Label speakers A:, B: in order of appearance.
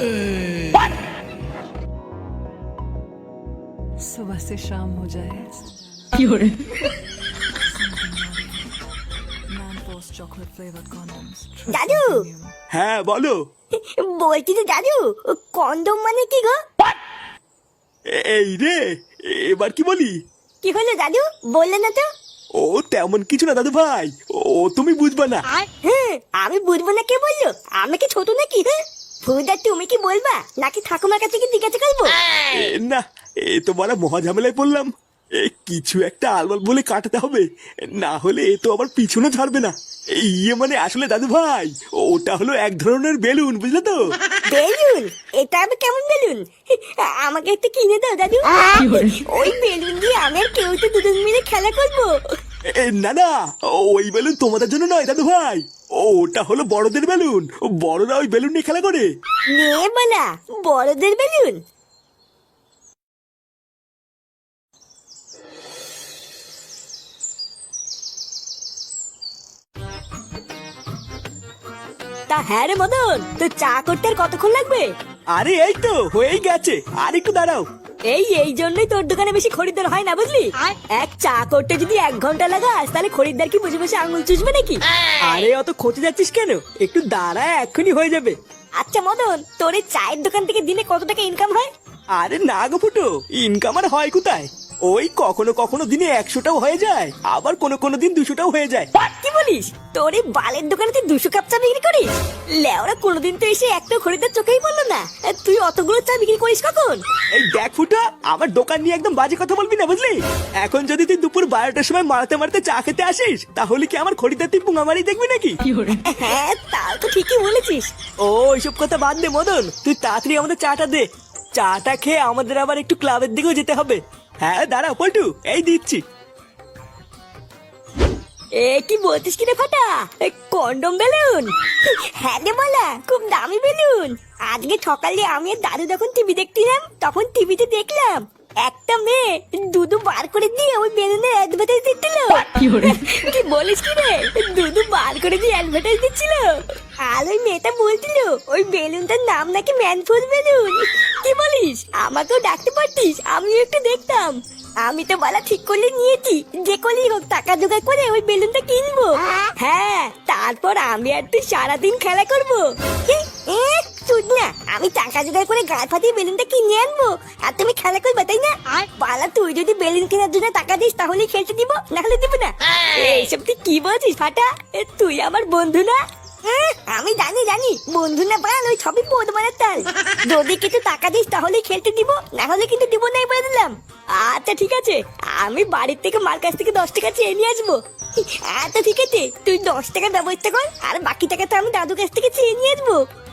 A: सुबह से शाम हो जाए chocolate flavored condoms.
B: দাদু
C: হ্যাঁ বলো।
B: বলছি তো দাদু, কন্ডম মানে কি গো?
C: এই রে, এবার কি বলি?
B: কি হলো দাদু, বললে না তো?
C: ও তেমন কিছু না দাদু ভাই, ও তুমি বুঝবা না।
B: হ্যাঁ, আমি বুঝবো না কে বললো? আমি কি ছোট নাকি? হ্যাঁ ফুদা, তুমি কি বলবা নাকি ঠাকুমার কাছে কি জিজ্ঞাসা করবো?
C: না, এ তো বড় মহা ঝামেলায় পড়লাম। কিছু একটা আলবাল বলে কাটাতে হবে, না হলে এ তো আবার পিছনে ছাড়বে না। ইয়ে মানে আসলে দাদু ভাই, ওটা হলো এক ধরনের বেলুন, বুঝলে তো?
B: বেলুন? এটা আবার কেমন বেলুন? আমাকে একটা কিনে দাও দাদু। ওই বেলুন দিয়ে আমি আর কেউ তো দুজন মিলে খেলা করবো।
C: না না, ওই বেলুন তোমাদের জন্য নয় দাদু ভাই, ওটা হলো বড়দের বেলুন। বড়রা ওই বেলুন নিয়ে খেলা করে।
B: নে বলা, বড়দের বেলুন? তা হ্যাঁ রে মদন, তো চা করতে আর কতক্ষণ লাগবে?
C: আরে এই তো হয়েই গেছে, আর একটু দাঁড়াও।
B: এই জন্যই তোর দোকানে বেশি খরিদ্দার হয় না, বুঝলি? এক চা করতে যদি 1 ঘন্টা লাগাস, তাহলে খরিদ্দার কি বসে বসে আঙুল চুষবে নাকি?
C: আরে অত খোঁজে যাচ্ছিস কেন, একটু দাঁড়া, এক্ষুনি হয়ে যাবে।
B: আচ্ছা মদন, তোর এই চায়ের দোকান থেকে দিনে কত টাকা ইনকাম হয়?
C: আরে না গো ফুটো, ইনকাম আর হয় কোথায়? ওই কখনো কখনো দিনে 100টাও হয়ে যায়, আবার কোনো দিন 200টাও হয়ে যায়।
B: কি বলিস? তোর এই বালের দোকানে তুই 200 কাপ চা বিক্রি করিস? লেওরা, কোনোদিন তো এসে একটা খরিদ্দার চোখেই বললো না। তুই অতগুলো চা বিক্রি করিস কখন?
C: এই দেখ ফুটো, আমার দোকান নিয়ে একদম বাজে কথা বলবি না, বুঝলি? এখন যদি তুই দুপুর 12টার সময় মারতে মারতে চা খেতে আসিস, তাহলে কি আমার খরিদ্দার তুই পুঙ্গামারি দেখবি নাকি?
B: হ্যাঁ, তাও তো ঠিকই বলেছিস।
C: ও এইসব কথা বাদ দে মদন, তুই তাড়াতাড়ি আমাদের চাটা দে। চাটা খেয়ে আমাদের আবার একটু ক্লাবের দিকেও যেতে হবে। হ্যাঁ দাঁড়া পল্টু, এই দিচ্ছি।
B: এ কি বলছিস কি রে ফাটা? কন্ডম বেলুন? হ্যাঁ রে বলা, খুব দামি বেলুন। আজকে সকালে আমি আর দাদু যখন টিভি দেখছিলাম, তখন টিভিতে দেখলাম একটা মেয়ে দুধু বার করে দিয়ে ওই বেলুনের অ্যাডভার্টাইজ দিচ্ছিল। কি বলিস কি রে, দুধু বার করে দিয়ে অ্যাডভার্টাইজ দিচ্ছিল? আর ওই মেয়েটা বলছিল ওই বেলুনটার নাম নাকি ম্যানফুল বেলুন। কি বলিস? আমাকেও ডাকতে পারতিস, আমিও একটু দেখতাম। আমি তো বলা ঠিক করলে নিয়েছি, যে করেই হোক টাকা জোগাড় করে ওই বেলুনটা কিনবো। হ্যাঁ, তারপর আমি আর তুই সারাদিন খেলা করবো। শুন না, আমি টাকা জোগাড় করে গায়ে ফাটিয়ে বেলুনটা কিনে আনবো, আর তুমি খেলা করবে, তাই না? আর পালা, তুই যদি বেলুন কেনার জন্য টাকা দিস তাহলে খেলতে দিব, না হলে দিব না। এইসব তুই কি বলছিস ফাটা? তুই আমার বন্ধু না? আমি জানি বন্ধু না বান, ওই সবই পদ মারার তাল। যদি কিছু টাকা দিস তাহলে খেলতে দিব, না হলে কিন্তু দিব নাই বলে দিলাম। আচ্ছা ঠিক আছে, আমি বাড়ির থেকে মার কাছ থেকে 10 টাকা চেয়ে নিয়ে আসবো। আচ্ছা ঠিক আছে, তুই 10 টাকার ব্যবস্থা কর, আর বাকি টাকা তো আমি দাদুর কাছ থেকে চেয়ে নিয়ে আসবো।